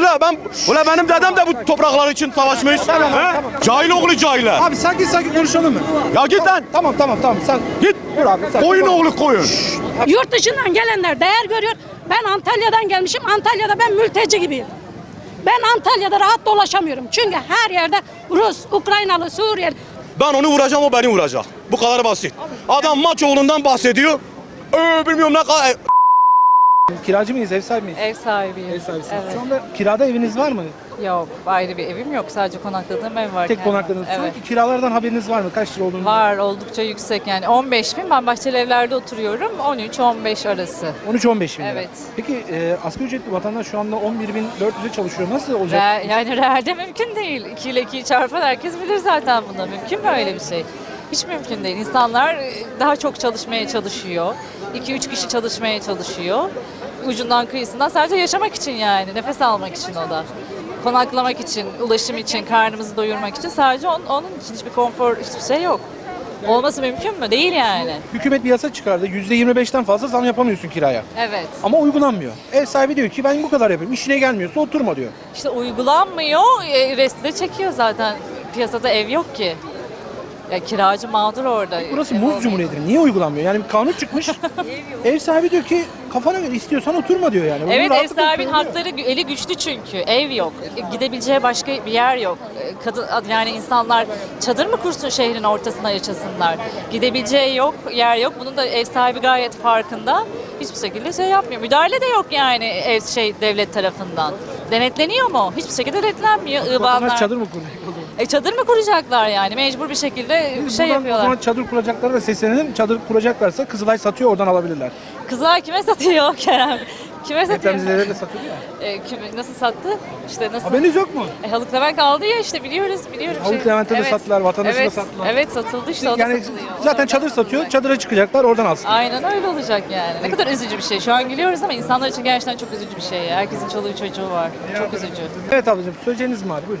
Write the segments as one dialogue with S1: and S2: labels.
S1: Ula benim dedem de bu topraklar için savaşmış.
S2: Tamam,
S1: He?
S2: tamam.
S1: Cahil oğlu cahiller.
S2: Abi sakin konuşalım mı?
S1: Ya git lan.
S2: Tamam sen
S1: Git.
S2: dur abi.
S1: Koyun oğlu koyun.
S3: Yurt dışından gelenler değer görüyor. Ben Antalya'dan gelmişim. Antalya'da ben mülteci gibiyim. Ben Antalya'da rahat dolaşamıyorum. Çünkü her yerde Rus, Ukraynalı, Suriyeli.
S1: Ben onu vuracağım, o beni vuracak. Bu kadar basit. Adam maç oğlundan bahsediyor. Bilmiyorum ne kadar.
S2: Kiracı mıyız, ev sahibi miyiz?
S4: Ev sahibiyim.
S2: Ev sahibisiniz.
S4: Evet.
S2: Şu anda kirada eviniz var mı?
S4: Yok, ayrı bir evim yok. Sadece konakladığım ev var.
S2: Tek
S4: kendim.
S2: konakladığınız. Şu
S4: Evet.
S2: anki kiralardan haberiniz var mı? Kaç lira olduğunu?
S4: Var, oldukça yüksek yani. 15 bin. Ben bahçeli evlerde oturuyorum. 13-15 arası.
S2: 13-15 bin lira.
S4: Evet.
S2: Peki asgari ücretli vatandaş şu anda 11.400'e çalışıyor. Nasıl olacak?
S4: Yani realde mümkün değil. 2 ile 2'yi çarpan herkes bilir zaten bunu. Mümkün mü öyle bir şey? Hiç mümkün değil. İnsanlar daha çok çalışmaya çalışıyor. 2-3 kişi çalışmaya çalışıyor. Ucundan kıyısından sadece yaşamak için yani. Nefes almak için o da. Konaklamak için, ulaşım için, karnımızı doyurmak için sadece onun için hiçbir konfor, hiçbir şey yok. Olması mümkün mü? Değil yani.
S2: Hükümet bir yasa çıkardı. %25'ten fazla zam yapamıyorsun kiraya.
S4: Evet.
S2: Ama uygulanmıyor. Ev sahibi diyor ki ben bu kadar yapayım. İşine gelmiyorsa oturma diyor.
S4: İşte uygulanmıyor, resti de çekiyor zaten. Piyasada ev yok ki. Ya kiracı mağdur orada.
S2: Burası
S4: Ev
S2: muz
S4: olmayınca.
S2: cumhuriyeti. Niye uygulanmıyor? Yani bir kanun çıkmış. Ev sahibi diyor ki kafana göre istiyorsan oturma diyor yani. Bunu
S4: Evet, ev
S2: rahatlıkla
S4: sahibinin
S2: söylüyor.
S4: hakları eli güçlü çünkü. Ev yok. Gidebileceği başka bir yer yok. Kadın yani insanlar çadır mı kursun şehrin ortasına yaşasınlar? Gidebileceği yok, yer yok. Bunun da ev sahibi gayet farkında. Hiçbir şekilde şey yapmıyor. Müdahale de yok yani devlet tarafından. Denetleniyor mu? Hiçbir şekilde denetlenmiyor.
S2: Vatandaş çadır mı kuracak?
S4: Çadır mı kuracaklar yani? Mecbur bir şekilde bir şey
S2: O
S4: yapıyorlar.
S2: zaman çadır kuracaklara da seslenelim. Çadır kuracaklarsa Kızılay satıyor, oradan alabilirler.
S4: Kızlar kime satıyor Kerem? Kime satıyor?
S2: Depremzedelere de satıyor ya.
S4: Nasıl sattı? İşte nasıl?
S2: Haberiniz yok mu?
S4: Haluk Levent aldı ya işte biliyorum.
S2: Haluk Levent'e de sattılar, vatandaşa da
S4: evet,
S2: sattılar.
S4: Evet satıldı işte o da
S2: Yani
S4: satılıyor.
S2: zaten çadır satıyor, çadıra çıkacaklar, oradan alsın.
S4: Aynen öyle olacak yani. Ne kadar üzücü bir şey. Şu an gülüyoruz ama insanlar için gerçekten çok üzücü bir şey. Herkesin çoluğu çocuğu var. Çok üzücü.
S2: Evet ablacığım, söyleyeceğiniz mi var? Buyurun.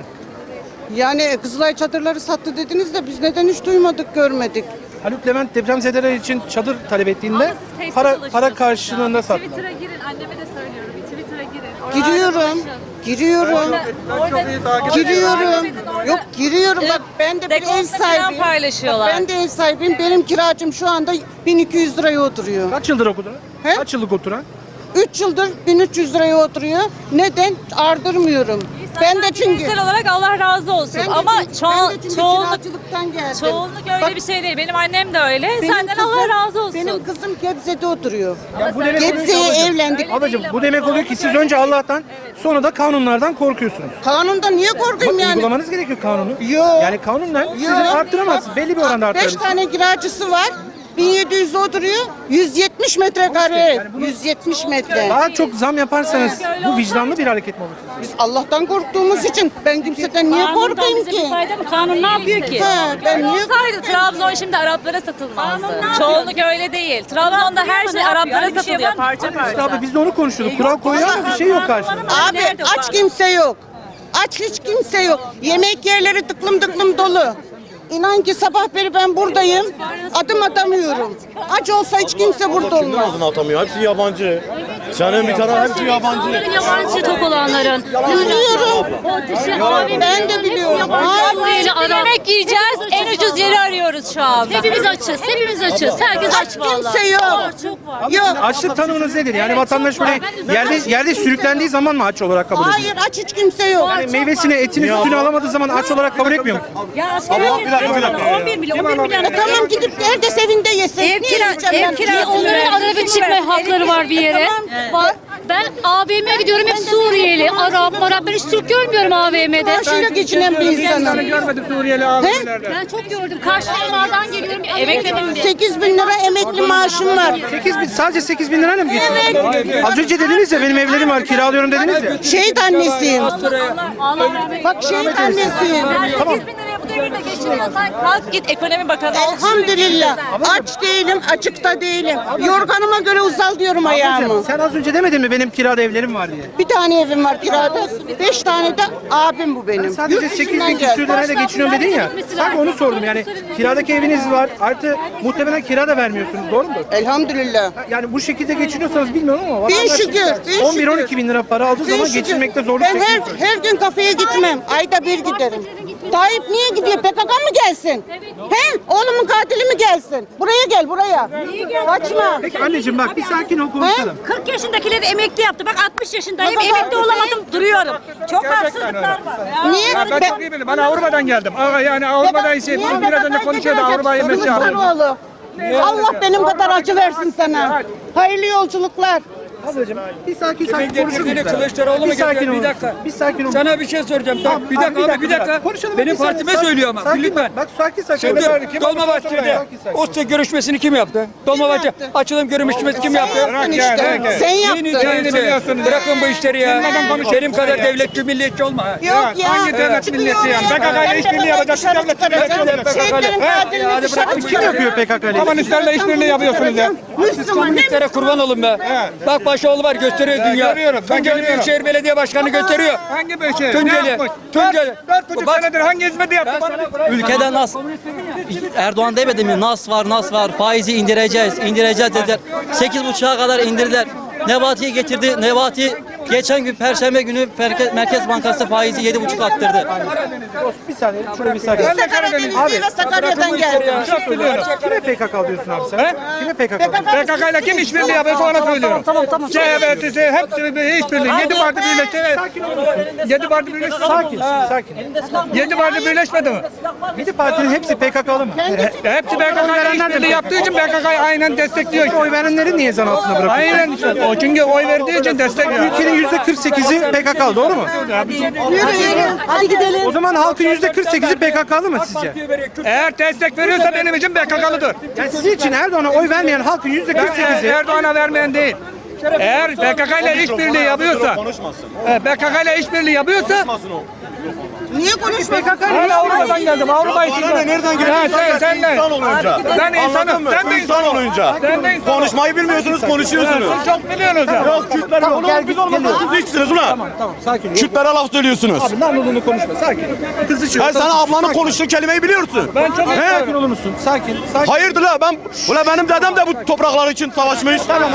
S5: Yani Kızılay çadırları sattı dediniz de biz neden hiç duymadık, görmedik.
S2: Haluk Levent depremzedeler için çadır talep ettiğinde para karşılığında sattılar.
S4: Twitter'a girin. Anneme de söylüyorum. Bir Twitter'a girin.
S5: Giriyorum. Bak ben de bir ev sahibiyim.
S4: Paylaşıyorlar.
S5: Ben de ev sahibiyim. Benim kiracım şu anda 1200 liraya oturuyor.
S2: Kaç yıldır oturan?
S5: He?
S2: Kaç yıllık oturan?
S5: 3 yıldır 1300 liraya oturuyor. Neden? Ardırmıyorum. Ben de çünkü
S4: Bireysel olarak Allah razı olsun.
S5: ben de
S4: Ama
S5: çünkü- ben de çünkü
S4: çoğunluk
S5: kiracılıktan geldim.
S4: çoğunluk öyle
S5: Bak,
S4: bir şey değil. Benim annem de öyle.
S5: benim
S4: Senden
S5: kızım-
S4: Allah razı olsun.
S5: Benim kızım Gebze'de oturuyor.
S2: Ya bu demek oluyor ki
S5: Gebze'ye
S2: ablacığım,
S5: evlendik.
S2: Ablacığım bu demek oluyor ki siz önce Allah'tan sonra da kanunlardan korkuyorsunuz.
S5: Kanunda niye korkayım
S2: Ama
S5: yani?
S2: uygulamanız gerekiyor kanunu.
S5: Yok.
S2: Yani kanunla sizin
S5: Yok.
S2: arttıramazsınız. Belli bir oranda
S5: 5
S2: arttırabilirsiniz.
S5: tane kiracısı var. 1700 oturuyor. 170 metrekare ev. 170 metre.
S2: Daha çok zam yaparsanız bu vicdanlı bir hareket mi olur?
S5: Biz Allah'tan korktuğumuz için ben kimseden niye korkayım ki?
S3: Kanun ne yapıyor ki?
S5: Ha, ben niye
S4: Olsaydı Trabzon şimdi Araplara satılmazdı. Çoğunluk öyle değil. Trabzon'da her şey Araplara satılıyor parça
S2: İşte
S4: parça.
S2: abi biz de onu konuşuyorduk. Kural koyuyor ama bir şey yok karşılığında.
S5: Abi aç kimse yok. Aç hiç kimse yok. Yemek yerleri tıklım tıklım dolu. İnan ki sabah beri ben buradayım. Adım atamıyorum. Aç olsa hiç kimse burada olmaz.
S1: Ağzını atamıyor. Hepsi yabancı. Senin bir tane hepsi yabancı.
S3: Yabancı tok olanların.
S5: Biliyorum. Ben de biliyorum. Hayır.
S4: Yemek yiyeceğiz. En ucuz yeri arıyoruz şu anda.
S3: Hepimiz açız. Herkes aç vallahi.
S5: Kimse yok. Yok.
S2: Açlık tanımınız nedir? Yani vatandaş böyle yerde sürüklendiği zaman mı aç olarak kabul ediyor?
S5: Hayır aç hiç kimse yok.
S2: Yani meyvesini, etini, sütünü alamadığı zaman aç olarak kabul etmiyor mu?
S1: Bir dakika.
S3: 11 milyon.
S5: Tamam gidip herkes evinde yesin. Niye yiyeceğim ben?
S3: Onların arada bir çıkma hakları var bir yere. Var. Ben AVM'ye gidiyorum hep Suriyeli, Arap, ben hiç Türk görmüyorum AVM'de.
S5: Maaşıyla geçinen bir insanım.
S2: Görmedim Suriyeli abilerde.
S3: Ben çok gördüm. Karşılamadan geliyorum. Emekledim diye.
S5: 8 bin lira emekli maaşım var.
S2: 8 bin, sadece 8 bin lirayla mı geçiyor? Az önce dediniz ya benim evlerim var kiralıyorum dediniz ya.
S5: Şehit annesiyim.
S3: Allah rahmet
S5: Bak şehit annesiyim.
S2: Tamam.
S4: Bu devirde geçiniyorsan kalk git ekonomi bakanı ol.
S5: Elhamdülillah. Aç değilim, açıkta değilim. Yorganıma göre uzal diyorum ayağımı.
S2: Sen az önce demedin mi benim kirada evlerim var diye?
S5: Bir tane evim var kirada. 5 tane de abim bu benim.
S2: Sadece
S5: Yurt
S2: 8
S5: dışından
S2: bin
S5: geldi.
S2: küsür lirayla geçiniyorum dedin ya. Sanki onu sordum yani. Kiradaki eviniz var. Artı muhtemelen kira da vermiyorsunuz. Doğru mudur?
S5: Elhamdülillah.
S2: Yani bu şekilde geçiniyorsanız bilmiyorum ama
S5: Bin
S2: vatandaş
S5: şükür, bin
S2: 11-12
S5: şükür.
S2: bin lira para aldığı zaman
S5: Bin şükür.
S2: geçinmekte zorluk
S5: Ben
S2: çekiyorsunuz.
S5: her gün kafeye gitmem. Ayda bir giderim. Tayyip niye gidiyor? PKK mı gelsin? He? Oğlumun katili mi gelsin? Buraya gel buraya. Kaçma.
S2: Peki anneciğim bak bir sakin ol konuşalım.
S3: 40 yaşındakileri emekli yaptı. Bak 60 yaşındayım.
S5: Bak,
S3: Emekli
S5: bak,
S3: olamadım. Duruyorum. Çok haksızlıklar var.
S5: Niye?
S6: Ben çok iyi bilirim. Ben Avrupa'dan geldim. Yani Avrupa'da şey,
S5: Niye
S6: biraz önce
S5: PKK
S6: konuşuyordu
S5: gidiyor?
S6: Avrupa'yı mesela.
S5: Kılıçdaroğlu. Allah benim kadar acı versin sana. Hayırlı yolculuklar.
S2: Ablacığım bir sakin konuşur
S6: getirdiğini
S2: muyuz?
S6: Kılıçdaroğlu mu
S2: Bir sakin
S6: getiriyor?
S2: ol.
S6: Bir dakika.
S2: Bir sakin ol.
S6: Sana bir şey soracağım. Tamam, bir dakika abi, bir dakika.
S2: Konuşalım.
S6: Benim
S2: Bir saniye,
S6: partime
S2: sakin-
S6: söylüyor ama.
S2: sakin
S6: Lütfen.
S2: Bak sakin sakin.
S6: Şimdi
S2: Kim
S6: Dolmabahçe'de
S2: sakin.
S6: OSTE görüşmesini kim yaptı? Dolmabahçe
S5: yaptı?
S6: açılım görüşmesi kim yaptı?
S5: Yaptın işte. Sen yaptın.
S6: Bırakın bu işleri ya. Benim kadar devletçi milliyetçi olma. ha.
S5: Yok ya.
S6: Hangi devlet milliyetçi yani? PKK ile işbirliği yapacak devlet milliyetçi olacak.
S5: Şehitlerin katilini dışarı
S2: Kim yapıyor PKK ile?
S6: Komünistlerle işbirliği yapıyorsunuz ya.
S5: Müslüman ne
S6: Komünistlere kurban olun be. Bak Başoğlu var gösteriyor dünya.
S7: görüyorum, ben
S6: Tunceli
S7: görüyorum.
S6: Büyükşehir Belediye Başkanı gösteriyor.
S7: Hangi bir şey?
S6: Tunceli.
S7: Ne yapmış?
S6: Tunceli.
S7: 4,5
S6: Bak-
S7: senedir hangi hizmeti yaptı? Bana
S8: Ülkede nas Erdoğan demedi mi? Nas var. Faizi indireceğiz dediler. 8,5'a kadar indirdiler. Nebati'yi getirdi. Nebati geçen gün Perşembe günü Merkez Bankası faizi 7,5 arttırdı.
S2: Bir saniye şöyle bir sakin.
S5: Ben de Karadenizliyim ve Sakarya'dan geldim.
S2: Kime PKK diyorsun abi sen? Kime PKK diyorsun?
S6: PKK ile kim işbirliği yapıyorsa ona söylüyorum.
S8: Tamam.
S6: CHP'si hepsi işbirliği. 7 parti birleşti.
S2: Sakin olur musun?
S6: 7 parti birleşti.
S2: Sakin.
S6: 7 parti birleşmedi mi?
S2: 7 partinin hepsi PKK'lı mı?
S6: Hepsi PKK ile işbirliği yaptığı için PKK'yı aynen destekliyor.
S2: Peki oy verenleri niye zan altına bırakıyorsun?
S6: Aynen işte. O çünkü oy verdiği için destekliyor.
S2: Ülkenin %48'i PKK'lı doğru mu?
S5: Hadi gidelim.
S2: O zaman halkın %48'i PKK'lı mı sizce?
S6: Eğer destek veriyorsa benim için PKK'lıdır.
S2: Yani sizin için Erdoğan'a oy vermeyen halkın %48'i
S6: Erdoğan'a vermeyen değil. Eğer PKK ile işbirliği yapıyorsa, PKK ile işbirliği yapıyorsa,
S5: Niye konuşmuyorsun?
S6: ben Avrupa'dan geldim. Avrupa için.
S1: Bana ne, nereden
S6: Ha,
S1: geliyorsun?
S6: sen de.
S1: İnsan olunca.
S6: Ben insanım.
S1: Anladın mı?
S6: Sen de
S1: İnsan
S6: insan
S1: olunca.
S6: Sen de insan ol.
S1: Konuşmayı bilmiyorsunuz, konuşuyorsunuz.
S6: Siz çok biliyorsunuz ya.
S1: Yok Kürtler yok. Biz olmasanız hiçsiniz ulan.
S2: Tamam sakin ol.
S1: Kürtlere laf söylüyorsunuz.
S2: Abi namluluğunu konuşma sakin. Kızışıyor.
S1: Ben sana ablanın konuştuğu kelimeyi biliyorsun.
S6: Ben çok
S2: Sakin olur musun? Sakin.
S1: Hayırdır la benim dedem de bu topraklar için savaşmış.
S2: Tamam.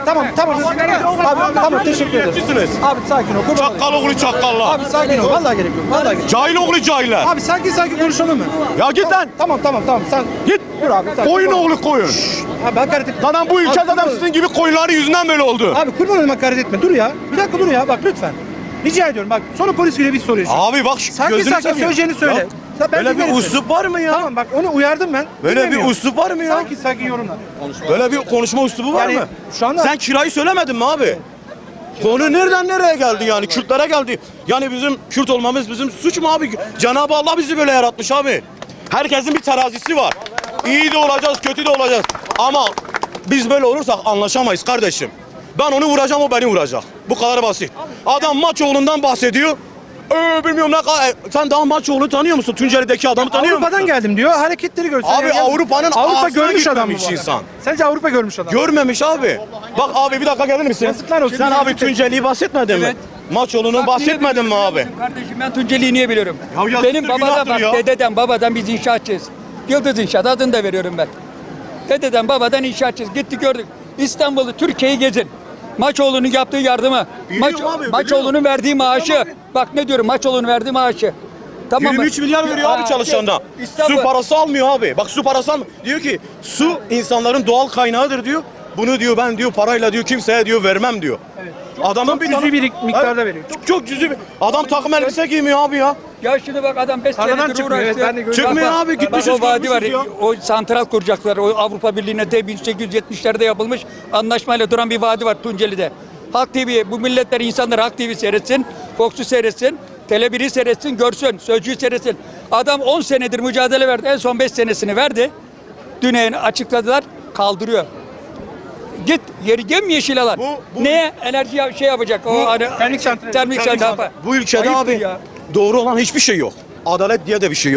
S2: Abi tamam teşekkür ederim.
S1: Sizsiniz.
S2: Abi sakin ol. Kurban olayım.
S1: Çakkal oğlu çakkallar.
S2: Abi sakin ol. Vallahi gerek yok. Vallahi gerek yok.
S1: Cahil oğlu cahiller.
S2: Abi sakin konuşalım mı?
S1: Ya git lan.
S2: Tamam. Sen
S1: Git.
S2: dur abi. Sakin.
S1: Koyun oğlu koyun.
S2: Abi hakaret etme.
S1: Zaten bu ülke
S2: Abi,
S1: zaten
S2: kurban
S1: sizin gibi koyunların yüzünden böyle oldu.
S2: Abi kurban olayım hakaret etme. Dur ya. Bir dakika dur ya. Bak lütfen. Rica ediyorum. Bak sonra polis geliyor bir soruyor.
S1: Abi bak
S2: Sakin
S1: gözünü seveyim.
S2: söyleyeceğini söyle.
S1: Ya,
S2: Ben
S1: Böyle bir
S2: dinlerim seni.
S1: üslup var mı ya?
S2: Tamam bak onu uyardım ben.
S1: Böyle bir
S2: Dinlemiyor.
S1: üslup var mı ya?
S2: Sakin yorumla.
S1: Böyle bir konuşma üslubu var
S2: Yani
S1: mı?
S2: şu anda-
S1: Sen kirayı söylemedin mi abi? Konu nereden nereye geldi yani? Kürtlere geldi. Yani bizim Kürt olmamız bizim suç mu abi? Cenab-ı Allah bizi böyle yaratmış abi. Herkesin bir terazisi var. İyi de olacağız, kötü de olacağız. Ama biz böyle olursak anlaşamayız kardeşim. Ben onu vuracağım, o beni vuracak. Bu kadar basit. Adam Maçoğlu'ndan bahsediyor. Bilmiyorum ne kadar. Sen daha Maçoğlu'nu tanıyor musun? Tunceli'deki adamı tanıyor musun?
S2: Avrupa'dan geldim diyor. Hareketleri gösteriyor.
S1: Abi
S2: Yani
S1: Avrupa'nın
S2: Avrupa
S1: ağzına
S2: görmüş adam mı
S1: gitmemiş
S2: bu
S1: insan.
S2: adam? Sence Avrupa görmüş adam.
S1: Görmemiş abi. Bak abi bir dakika gelir misin?
S2: Yazıklar olsun.
S1: Sen abi Tunceli'yi bahsetmedin mi?
S6: Evet.
S1: Maçoğlu'nu bahsetmedin mi abi?
S6: Kardeşim ben Tunceli'yi niye biliyorum?
S1: Ya yazıktır,
S6: Benim babada
S1: günahtır
S6: bak
S1: ya.
S6: dededen babadan biz inşaatçıyız. Yıldız İnşaat adını da veriyorum ben. Dededen babadan inşaatçıyız. Gittik gördük. İstanbul'u Türkiye'yi gezin. Maçoğlu'nun yaptığı yardımı.
S1: Biliyorum abi,
S6: Maçoğlu'nun verdiği maaşı. Bak ne diyorum Maçoğlu'nun verdiği maaşı. Tamam mı?
S1: 23 milyar veriyor abi çalışandan.
S6: İstanbul.
S1: Su parası almıyor abi. Bak su parası almıyor. Diyor ki su insanların doğal kaynağıdır diyor. Bunu diyor ben diyor parayla diyor kimseye diyor vermem diyor. Adamın bir
S2: cüzi bir miktarda
S1: Evet,
S2: veriyor.
S1: Çok cüzi bir. Adam takım elbise giymiyor abi ya.
S6: Ya şimdi bak adam 5
S2: Tarladan
S6: senedir
S2: çıkmıyor,
S6: uğraştı.
S2: evet, ben de gördüm.
S1: Çıkmıyor
S6: Bak,
S1: abi,
S6: bak,
S1: gitmişiz,
S6: o vadi var.
S1: görmüşüz ya.
S6: O santral kuracaklar. O Avrupa Birliği'ne de 1870'lerde anlaşmayla duran bir vadi var Tunceli'de. Halk TV, bu milletler insanlar Halk TV seyretsin, Fox'u seyretsin, Tele1'i seyretsin, görsün, Sözcü'yü seyretsin. Adam 10 senedir mücadele verdi. En son 5 senesini verdi. Dün açıkladılar, kaldırıyor. Git yemyeşil alan.
S1: Bu-
S6: Neye? Enerji şey yapacak. O hani,
S2: termik santral.
S6: Termik santral.
S1: Bu ülkede
S6: Ayıptır
S1: abi
S6: ya.
S1: doğru olan hiçbir şey yok. Adalet diye de bir şey yok.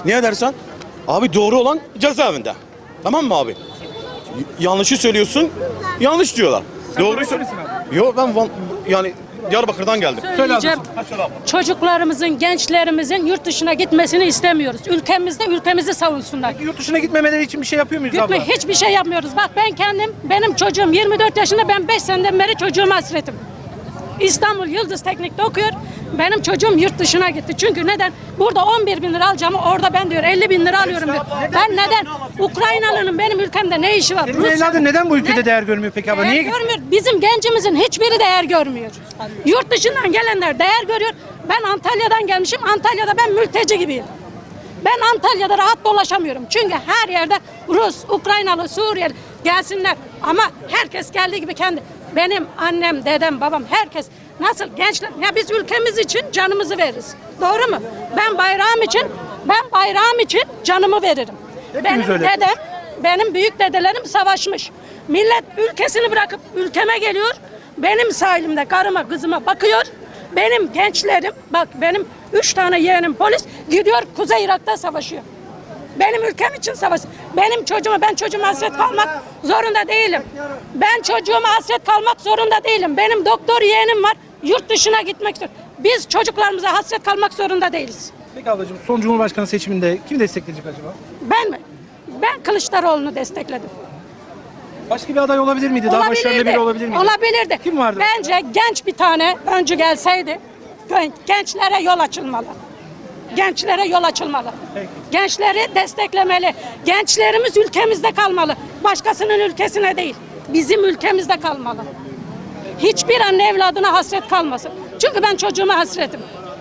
S1: Niye dersen? Abi doğru olan cezaevinde. Tamam mı abi? Yanlışı söylüyorsun, yanlış diyorlar. Doğruyu söylüyorsun. Yok ben yani Diyarbakır'dan geldim.
S3: Söyleyeceğim. Çocuklarımızın, gençlerimizin yurt dışına gitmesini istemiyoruz. Ülkemizi savunsunlar.
S2: Yurt dışına gitmemeleri için bir şey yapıyor muyuz abla?
S3: Hiçbir şey yapmıyoruz. Bak ben kendim, benim çocuğum 24 yaşında, ben 5 seneden beri çocuğuma hasretim. İstanbul Yıldız Teknik'te okuyor. Benim çocuğum yurt dışına gitti. Çünkü neden? Burada 11 bin lira alacağımı orada ben diyor 50 bin lira alıyorum diyor. Ben neden? Ukraynalı'nın benim ülkemde ne işi var?
S2: Senin evladın neden bu ülkede değer görmüyor peki abla? Niye
S3: Değer
S2: gitti?
S3: görmüyor. Bizim gencimizin hiçbiri değer görmüyor. Yurt dışından gelenler değer görüyor. Ben Antalya'dan gelmişim. Antalya'da ben mülteci gibiyim. Ben Antalya'da rahat dolaşamıyorum. Çünkü her yerde Rus, Ukraynalı, Suriyeli gelsinler. Ama herkes geldiği gibi kendi. Benim annem, dedem, babam, herkes nasıl gençler? Ya biz ülkemiz için canımızı veririz. Doğru mu? Ben bayrağım için canımı veririm.
S2: Hepimiz öyle.
S3: Benim büyük dedelerim savaşmış. Millet ülkesini bırakıp ülkeme geliyor. Benim sahilimde karıma, kızıma bakıyor. Benim gençlerim, bak benim 3 tane yeğenim polis gidiyor Kuzey Irak'ta savaşıyor. Benim ülkem için savaşıyor. Ben çocuğuma hasret kalmak zorunda değilim. Ben çocuğuma hasret kalmak zorunda değilim. Benim doktor yeğenim var, yurt dışına gitmek istiyor. Biz çocuklarımıza hasret kalmak zorunda değiliz.
S2: Peki ablacığım son Cumhurbaşkanı seçiminde kimi destekleyecek acaba?
S3: Ben mi? Ben Kılıçdaroğlu'nu destekledim.
S2: Başka bir aday olabilir miydi? Daha başarılı biri olabilir miydi?
S3: Olabilirdi.
S2: Kim vardı?
S3: Bence genç bir tane öncü gelseydi gençlere yol açılmalı. Gençlere yol açılmalı.
S2: Peki.
S3: Gençleri desteklemeli. Gençlerimiz ülkemizde kalmalı. Başkasının ülkesine değil. Bizim ülkemizde kalmalı. Hiçbir anne evladına hasret kalmasın. Çünkü ben çocuğuma hasretim.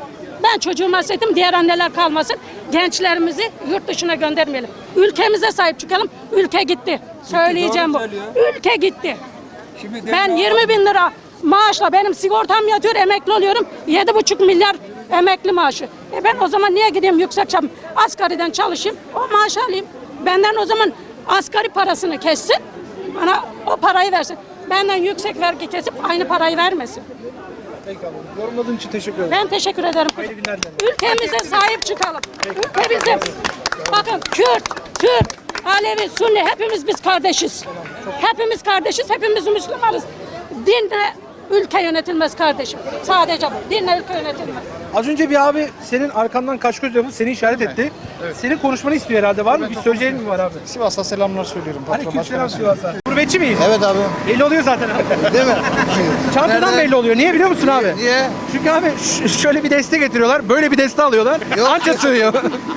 S3: Diğer anneler kalmasın. Gençlerimizi yurt dışına göndermeyelim. Ülkemize sahip çıkalım. Ülke gitti. Söyleyeceğim bu. Ülke gitti. Ben 20 bin lira maaşla benim sigortam yatıyor, emekli oluyorum. 7,5 milyar emekli maaşı. Ben o zaman niye gideyim asgariden çalışayım, o maaşı alayım. Benden o zaman asgari parasını kessin, bana o parayı versin. Benden yüksek vergi kesip aynı parayı vermesin.
S2: Peki abla. Yorumladığın için teşekkür ederim.
S3: Ben teşekkür ederim.
S2: Hayırlı günler dilerim.
S3: Ülkemize sahip çıkalım. Ülkemize. Bakın Kürt, Türk, Alevi, Sunni hepimiz biz kardeşiz. Hepimiz kardeşiz, hepimiz Müslümanız. Dinle ülke yönetilmez kardeşim. Sadece bu. Dinle ülke yönetilmez.
S2: Az önce bir abi senin arkandan kaş göz yapıp seni işaret etti. Senin konuşmanı istiyor herhalde. Var mı? Bir söyleyeceğin mi var abi?
S7: Sivas'a selamlar söylüyorum.
S2: Aleykümselam Sivas'a. Gurbetçi miyiz?
S7: Evet abi.
S2: Belli oluyor zaten abi.
S7: Değil mi?
S2: Çantadan
S7: Nerede?
S2: belli oluyor. Niye biliyor musun abi?
S7: Niye?
S2: Çünkü abi şöyle bir deste getiriyorlar. Böyle bir deste alıyorlar.
S7: Yok.
S2: Anca sığıyor.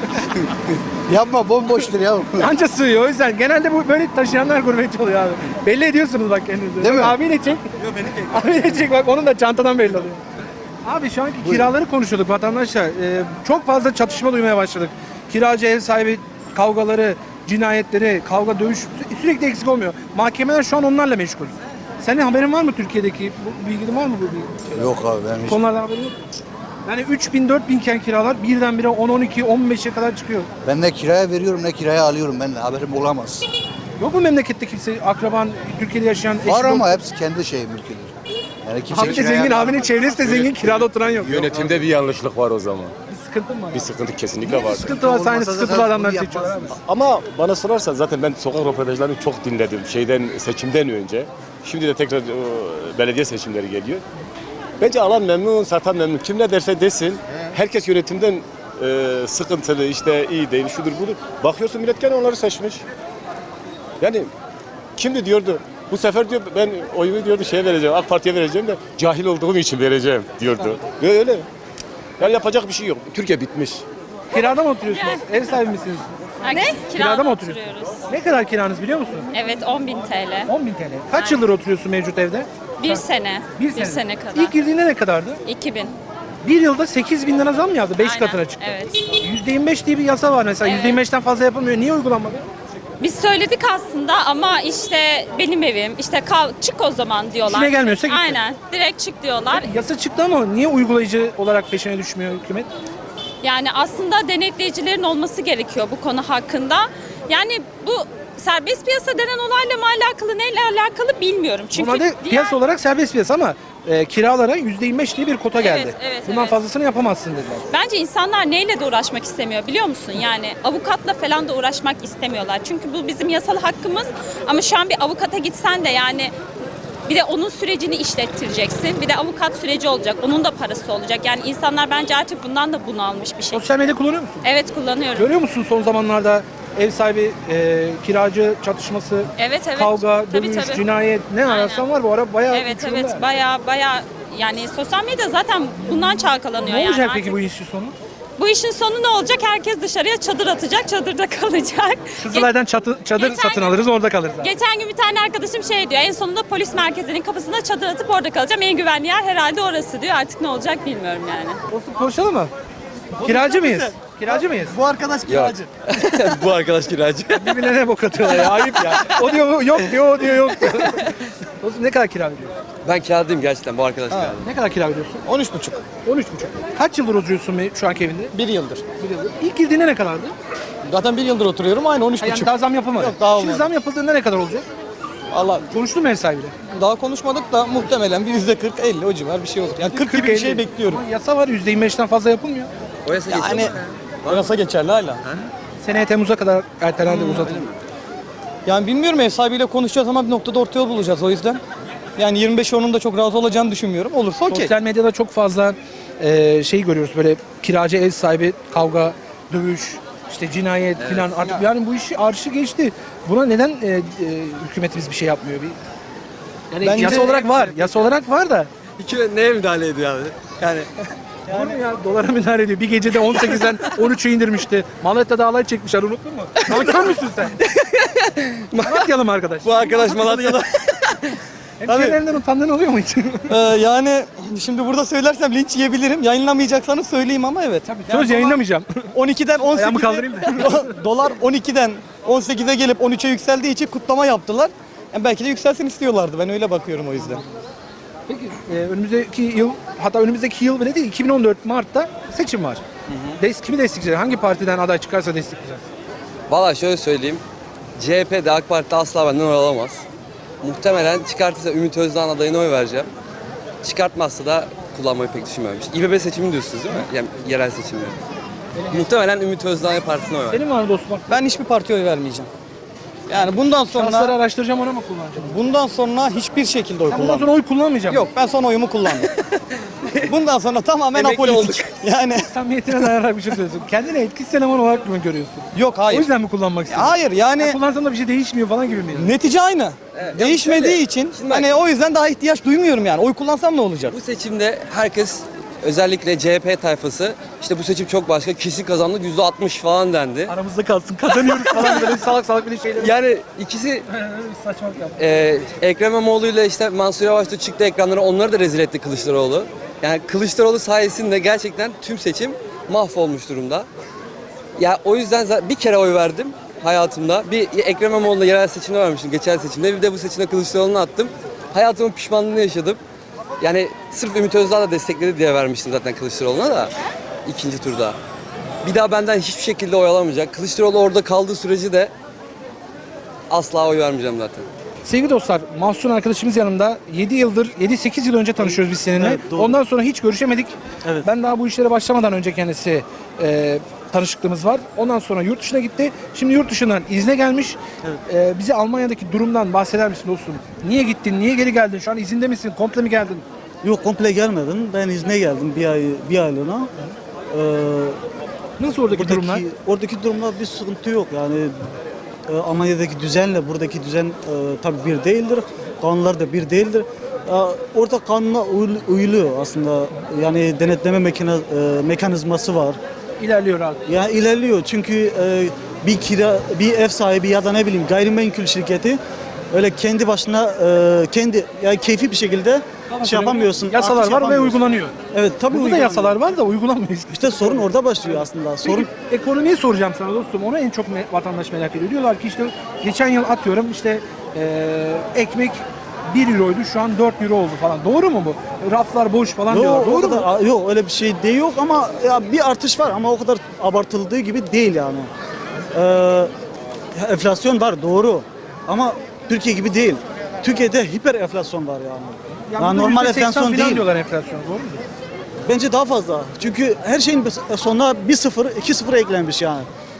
S7: Yapma bomboştur ya.
S2: Anca sığıyor. O yüzden genelde bu böyle taşıyanlar gurbetçi oluyor abi. Belli ediyorsunuz bak kendinizi.
S7: Değil mi?
S2: Abiyle çek. Abiyle çek bak onun da çantadan belli oluyor. Abi şu anki kiraları konuşuyorduk vatandaşlar. Çok fazla çatışma duymaya başladık. Kiracı ev sahibi kavgaları, cinayetleri, kavga dövüş sürekli eksik olmuyor. Mahkemeler şu an onlarla meşgul. Senin haberin var mı Türkiye'deki? Bu bilgin var mı bu bilgi?
S7: Yok abi ben hiç.
S2: Konulardan haberin yok. Yani 3.000 4.000 iken kiralar birdenbire 10, 12, 15'e kadar çıkıyor.
S7: Ben ne kiraya veriyorum ne kiraya alıyorum. Ben haberim olamaz.
S2: Yok mu memlekette kimse, akraban, Türkiye'de yaşayan eşi,
S7: Var ama
S2: dostu?
S7: hepsi kendi şeyi mülküdür. Yani kimse
S2: Abi de
S7: kiraya
S2: zengin, abinin çevresi de zengin, kirada oturan yok.
S9: Yönetimde bir yanlışlık var o zaman.
S2: Bir sıkıntı mı var?
S9: Bir sıkıntı kesinlikle var.
S2: Sıkıntı varsa aynı
S7: Olmasa
S2: sıkıntılı
S7: zaten
S2: adamları
S7: bunu
S2: seçiyorlar abi.
S9: Ama bana sorarsan zaten ben sokak röportajlarını çok dinledim. Seçimden önce. Şimdi de tekrar belediye seçimleri geliyor. Bence alan memnun, satan memnun. Kim ne derse desin. Herkes yönetimden sıkıntılı, işte iyi değil, şudur budur. Bakıyorsun millet gene onları seçmiş. Yani kimdi diyordu? Bu sefer diyor ben oyumu diyordu şeye vereceğim, AK Parti'ye vereceğim de cahil olduğum için vereceğim diyordu. Ve öyle. Yani yapacak bir şey yok. Türkiye bitmiş.
S2: Kirada mı oturuyorsunuz? Ev sahibi misiniz?
S10: Ne?
S2: Kirada mı oturuyorsunuz? Ne kadar kiranız biliyor musun?
S10: Evet 10.000 TL.
S2: 10.000 TL. Kaç yıldır oturuyorsun mevcut evde?
S10: Bir sene.
S2: Bir
S10: Bir sene kadar.
S2: İlk girdiğinde ne kadardı?
S10: 2000.
S2: Bir yılda 8.000 lira zam mı yaptı? 5
S10: Aynen,
S2: katına çıktı.
S10: evet.
S2: %25 diye bir yasa var mesela.
S10: Evet.
S2: %25'ten fazla yapılmıyor. Niye uygulanmadı?
S10: Biz söyledik aslında ama işte benim evim işte çık o zaman diyorlar.
S2: İşine gelmiyorsa git.
S10: Aynen. Direkt çık diyorlar.
S2: Yasa çıktı ama niye uygulayıcı olarak peşine düşmüyor hükümet?
S10: Yani aslında denetleyicilerin olması gerekiyor bu konu hakkında. Yani bu serbest piyasa denen olayla mı alakalı neyle alakalı bilmiyorum. Çünkü
S2: Normalde piyasa olarak serbest piyasa ama kiralara %25 diye bir kota geldi.
S10: evet,
S2: Bundan
S10: evet.
S2: fazlasını yapamazsın dediler.
S10: Bence insanlar neyle de uğraşmak istemiyor biliyor musun? Yani avukatla falan da uğraşmak istemiyorlar. Çünkü bu bizim yasal hakkımız ama şu an bir avukata gitsen de yani bir de onun sürecini işlettireceksin. Bir de avukat süreci olacak. Onun da parası olacak. Yani insanlar bence artık bundan da bunalmış bir şey.
S2: Sosyal medya kullanıyor musun?
S10: Evet kullanıyorum.
S2: Görüyor musun son zamanlarda ev sahibi kiracı çatışması,
S10: Evet.
S2: kavga,
S10: Tabii,
S2: dövüş,
S10: tabii.
S2: cinayet ne ararsan var bu ara bayağı
S10: Evet
S2: uçurumda.
S10: baya yani sosyal medya zaten bundan çalkalanıyor.
S2: Ne olacak
S10: yani
S2: peki
S10: artık.
S2: bu işin sonu?
S10: Bu işin sonu ne olacak? Herkes dışarıya çadır atacak, çadırda kalacak.
S2: Kızılay'dan çadır
S10: Geçen
S2: satın
S10: gün-
S2: alırız orada kalırız.
S10: Geçen gün bir tane arkadaşım şey diyor, en sonunda polis merkezinin kapısına çadır atıp orada kalacağım. En güvenli yer herhalde orası diyor. Artık ne olacak bilmiyorum yani.
S2: Dostum konuşalım mı? Kiracı mıyız? Kiracı mıyız?
S7: Bu arkadaş kiracı.
S9: Bu arkadaş kiracı.
S2: Birbirlerine bok atıyorlar ya. Ayıp ya. O diyor yok diyor, o diyor yok diyor. Dostum ne kadar kira veriyorsun?
S11: Ben kiraladayım gerçekten bu arkadaş kiraladı.
S2: Ne kadar kira veriyorsun?
S7: 13,5.
S2: 13,5. Kaç yıldır oturuyorsun şu anki evinde?
S7: 1 yıldır.
S2: Bir yıldır. İlk girdiğinde ne kadardı?
S7: Zaten 1 yıldır oturuyorum aynı 13,5.
S2: Yani daha zam yapılmadı.
S7: Yok, daha
S2: Şimdi
S7: olmadı.
S2: zam yapıldığında ne kadar olacak?
S7: Allah
S2: Konuştun mu ev sahibiyle?
S7: daha konuşmadık da muhtemelen bir %40-50 o civar bir şey olur. Yani 40 gibi bir şey
S2: 50.
S7: bekliyorum.
S2: Ama yasa var %25'ten fazla yapılmıyor.
S11: O yasa geçiyor
S7: Yani
S11: mu?
S7: yasa geçerli hala.
S2: Seneye Temmuz'a kadar ertelendi uzatılır.
S7: Yani bilmiyorum ev sahibiyle konuşacağız ama bir noktada orta yol bulacağız o yüzden. Yani 25 onun da çok razı olacağını düşünmüyorum. Olursa okey.
S2: Sosyal medyada çok fazla şey görüyoruz böyle kiracı ev sahibi kavga, dövüş, işte cinayet filan artık yani bu işi arşı geçti. Buna neden hükümetimiz bir şey yapmıyor? Yani
S7: Bence-
S2: yasa olarak var. Yasa olarak var da.
S11: Neye müdahale ediyor abi? Yani
S2: Olur mu ya? Dolara müdahale ediyor. Bir gecede 18'den 13'e indirmişti. Malatya'da alay çekmişler unuttun mu? Nankör müsün sen? Malatyalı mı arkadaş?
S11: bu arkadaş Malatya'da.
S2: Hemşehrilerinden utandığın oluyor mu hiç?
S7: Yani şimdi burada söylersem linç yiyebilirim. Yayınlamayacaksanız söyleyeyim ama evet.
S2: Söz yayınlamayacağım.
S7: 12'den
S2: Ayağımı
S7: 18'e
S2: kaldırayım
S7: dolar 12'den 18'e gelip 13'e yükseldiği için kutlama yaptılar. Yani belki de yükselsin istiyorlardı. Ben öyle bakıyorum o yüzden.
S2: Peki önümüzdeki yıl hatta önümüzdeki yıl bile değil 2014 Mart'ta seçim var. Kimi destekleyeceğiz? Hangi partiden aday çıkarsa destekleyeceğiz?
S11: Valla şöyle söyleyeyim. CHP'de AK Parti'de asla benden oy alamaz. Muhtemelen çıkartırsa Ümit Özdağ'ın adayına oy vereceğim. Çıkartmazsa da kullanmayı pek düşünmüyorum. İBB seçimi diyorsunuz değil mi? Yani yerel seçimleri. Muhtemelen Ümit Özdağ'ın partisine oy vereceğim.
S2: Senin var mı dostum? Bak,
S7: Ben hiçbir partiye oy vermeyeceğim. Yani bundan
S2: şansları
S7: sonra
S2: araştıracağım ona mı kullanacağım?
S7: bundan sonra hiçbir şekilde oy
S2: Ben bundan
S7: kullanmam.
S2: sonra oy kullanmayacağım.
S7: Yok ben son oyumu kullandım. Bundan sonra tamamen
S11: Emekli
S7: apolitik.
S11: olduk.
S7: Yani
S2: Samimiyetine dayanarak bir şey söylüyorsun. Kendini etkisiz eleman olarak mı görüyorsun?
S7: yok
S2: O
S7: hayır.
S2: yüzden mi kullanmak istiyorsun?
S7: Hayır yani
S2: Kullansan da bir şey değişmiyor falan gibi mi?
S7: netice aynı. Değişmediği
S11: şöyle,
S7: için
S11: şimdi bak-
S7: hani o yüzden daha ihtiyaç duymuyorum yani. Oy kullansam ne olacak?
S11: Bu seçimde herkes özellikle CHP tayfası işte bu seçim çok başka kesin kazandı %60 falan dendi.
S2: Aramızda kalsın kazanıyoruz falan böyle salak salak bir şeyler.
S11: Yani ikisi
S2: Saçmalık yaptı.
S11: Ekrem İmamoğlu ile işte Mansur Yavaş da çıktı ekranlara onları da rezil etti Kılıçdaroğlu. Yani Kılıçdaroğlu sayesinde gerçekten tüm seçim mahvolmuş durumda. Ya o yüzden bir kere oy verdim hayatımda. Bir Ekrem İmamoğlu'na yerel seçimde vermiştim geçen seçimde. Bir de bu seçimde Kılıçdaroğlu'na attım. Hayatımın pişmanlığını yaşadım. Yani sırf Ümit Özdağ da destekledi diye vermiştim zaten Kılıçdaroğlu'na da ikinci turda. Bir daha benden hiçbir şekilde oy alamayacak. Kılıçdaroğlu orada kaldığı sürece de asla oy vermeyeceğim zaten.
S2: Sevgili dostlar, Mahsun arkadaşımız yanımda 7-8 yıl önce tanışıyoruz biz seninle.
S1: Evet, doğru.
S2: Ondan sonra hiç görüşemedik.
S1: Evet.
S2: Ben daha bu işlere başlamadan önce kendisi tanışıklığımız var. Ondan sonra yurt dışına gitti. Şimdi yurt dışından izne gelmiş. Bize Almanya'daki durumdan bahseder misin dostum? Niye gittin, niye geri geldin? Şu an izinde misin, komple mi geldin?
S12: Yok komple gelmedim. Ben izne geldim bir aylığına.
S2: Nasıl oradaki durumlar?
S12: Oradaki durumlar bir sıkıntı yok. Yani Almanya'daki düzenle buradaki düzen tabii bir değildir. Kanunlar da bir değildir. Orada kanuna uyuluyor aslında. Yani denetleme mekanizması var.
S2: İlerliyor abi.
S12: Yani ilerliyor çünkü bir ev sahibi ya da ne bileyim gayrimenkul şirketi öyle kendi başına yani keyfi bir şekilde şey yapamıyorsun.
S2: Yasalar
S12: artış
S2: var ve
S12: yapamıyorsun.
S2: uygulanıyor.
S12: Evet tabii
S2: Burada da
S12: uygulanıyor.
S2: yasalar var da uygulanmıyor işte.
S12: İşte sorun orada başlıyor aslında. Sorun
S2: Peki, ekonomiyi soracağım sana dostum. Onu en çok vatandaş merak ediyor. Diyorlar ki işte geçen yıl atıyorum işte ekmek 1 euroydu şu an 4 euro oldu falan. Doğru mu bu? Raflar boş falan diyorlar.
S12: yok, o
S2: Doğru mu?
S12: kadar, yok öyle bir şey değil yok ama ya bir artış var ama o kadar abartıldığı gibi değil yani. Enflasyon var doğru ama Türkiye gibi değil. Türkiye'de hiper enflasyon var yani.
S2: Yani
S12: Yani normal enflasyon değil.
S2: diyorlar enflasyon, doğru mu?
S12: Bence daha fazla. Çünkü her şeyin sonuna bir sıfır, iki sıfır eklenmiş yani.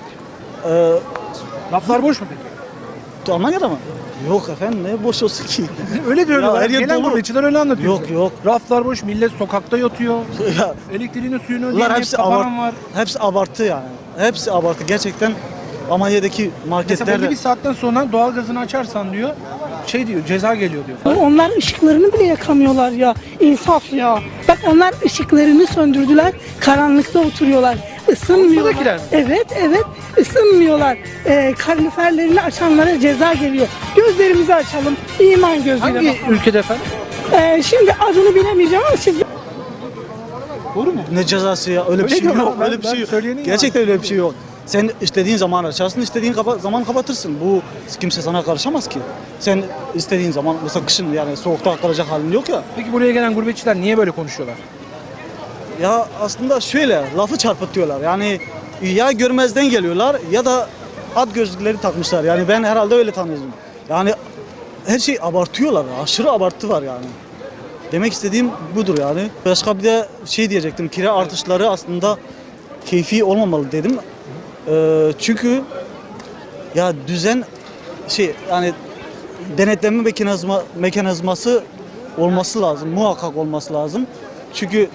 S2: Laflar boş mu peki?
S12: Almanya'da mı? Yok efendim, ne boş olsun ki?
S2: Öyle diyorlar.
S12: her yer
S2: Gelen
S12: dolu.
S2: gurbetçiler öyle anlatıyor.
S12: Yok,
S2: bize.
S12: yok.
S2: Raflar boş, millet sokakta yatıyor.
S12: Ya,
S2: Elektriğini, suyunu
S12: bunlar
S2: ödeyen
S12: hepsi
S2: kafaran var.
S12: hepsi abartı yani. Hepsi abartı. Gerçekten Almanya'daki
S2: Mesela
S12: marketlerde
S2: belli bir saatten sonra doğalgazını açarsan diyor, şey diyor, ceza geliyor diyor.
S13: Onlar ışıklarını bile yakamıyorlar ya. İnsaf ya. Bak onlar ışıklarını söndürdüler. Karanlıkta oturuyorlar. Isınmıyorlar.
S2: Buradakiler mi?
S13: Evet, evet. Isınmıyorlar. Kaloriferlerini açanlara ceza geliyor. Gözlerimizi açalım. İman gözüyle
S2: Hangi
S13: bakalım.
S2: ülkede efendim?
S13: Şimdi adını bilemeyeceğim ama siz
S2: Doğru mu?
S12: ne cezası ya? Öyle bir şey
S2: diyorlar.
S12: yok.
S2: Ben-
S12: Öyle bir
S2: ben
S12: şey yok.
S2: söyleyenin
S12: Gerçekten öyle bir şey yok. Sen istediğin zaman açarsın, istediğin zaman kapatırsın. Bu kimse sana karışamaz ki. Sen istediğin zaman, mesela kışın yani soğukta kalacak halin yok ya.
S2: Peki buraya gelen gurbetçiler niye böyle konuşuyorlar?
S12: Ya aslında şöyle, lafı çarpıtıyorlar. Yani ya görmezden geliyorlar ya da at gözlükleri takmışlar. Yani ben herhalde öyle tanıyorum. Yani her şey abartıyorlar. Aşırı abartı var yani. Demek istediğim budur yani. Başka bir de şey diyecektim. Kira artışları aslında keyfi olmamalı dedim. Çünkü ya düzen yani denetleme mekanizması olması lazım. Muhakkak olması lazım. Çünkü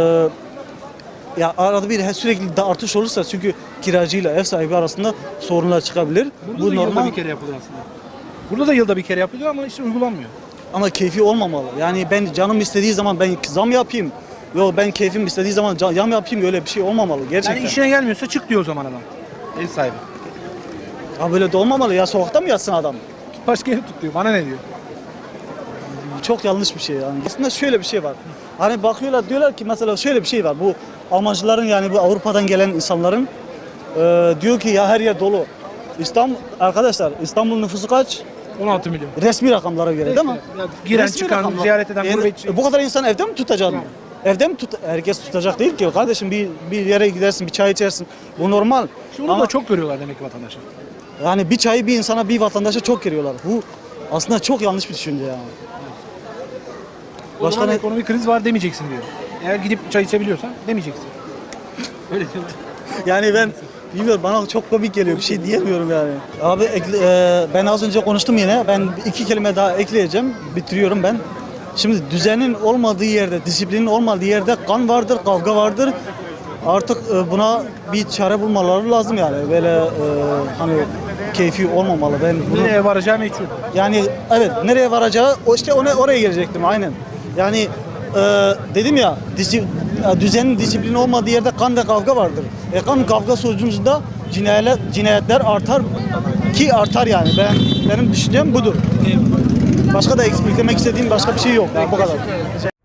S12: ya arada bir sürekli de artış olursa çünkü kiracıyla ev sahibi arasında sorunlar çıkabilir.
S2: Burada
S12: Bu
S2: da yılda
S12: normal
S2: bir kere yapılıyor aslında. Burada da yılda bir kere yapılıyor ama işte uygulanmıyor.
S12: ama keyfi olmamalı. Yani ben canım istediği zaman ben zam yapayım. Yok ben keyfim istediği zaman zam yapayım, öyle bir şey olmamalı gerçekten.
S2: Yani işine gelmiyorsa çık diyor o zaman adam. Ev sahibi.
S12: Ya böyle de olmamalı ya, sokakta mı yatsın adam?
S2: Başka ev tut diyor. Bana ne diyor?
S12: Çok yanlış bir şey yani. Aslında şöyle bir şey var. Hani bakıyorlar diyorlar ki mesela şöyle bir şey var. Bu Almancıların yani bu Avrupa'dan gelen insanların diyor ki ya her yer dolu. Arkadaşlar İstanbul nüfusu kaç?
S2: 16 milyon.
S12: Resmi rakamlara göre değil mi?
S2: Ya giren
S12: Resmi
S2: çıkan,
S12: rakamlar.
S2: ziyaret eden
S12: Yani
S2: gurbetçi.
S12: bu kadar insan evde mi tutacaksın? Evde mi herkes tutacak değil ki kardeşim, bir yere gidersin, bir çay içersin. Bu normal.
S2: Onu
S12: Ama
S2: da çok görüyorlar demek ki vatandaşlar.
S12: yani bir çayı bir insana, bir vatandaşa çok veriyorlar. Bu aslında çok yanlış bir düşünce yani.
S2: O
S12: Başka
S2: zaman
S12: ne?
S2: ekonomik kriz var demeyeceksin diyor. Eğer gidip çay içebiliyorsan demeyeceksin. Öyle diyorlar.
S12: Yani ben bilmiyorum, bana çok komik geliyor, bir şey diyemiyorum yani. Abi ben az önce konuştum yine. Ben 2 kelime daha ekleyeceğim. Bitiriyorum ben. Şimdi düzenin olmadığı yerde, disiplinin olmadığı yerde kan vardır, kavga vardır. Artık buna bir çare bulmaları lazım yani. Böyle hani keyfi olmamalı. Ben bunu,
S2: Nereye varacağı meçhul.
S12: yani evet, nereye varacağı oraya gelecektim aynen. Yani dedim ya düzenin, disiplini olmadığı yerde kan ve kavga vardır. Kan kavga sonucunda cinayetler artar ki artar yani. Benim düşüncem budur. Başka da eklemek istediğim başka bir şey yok. Bu kadar.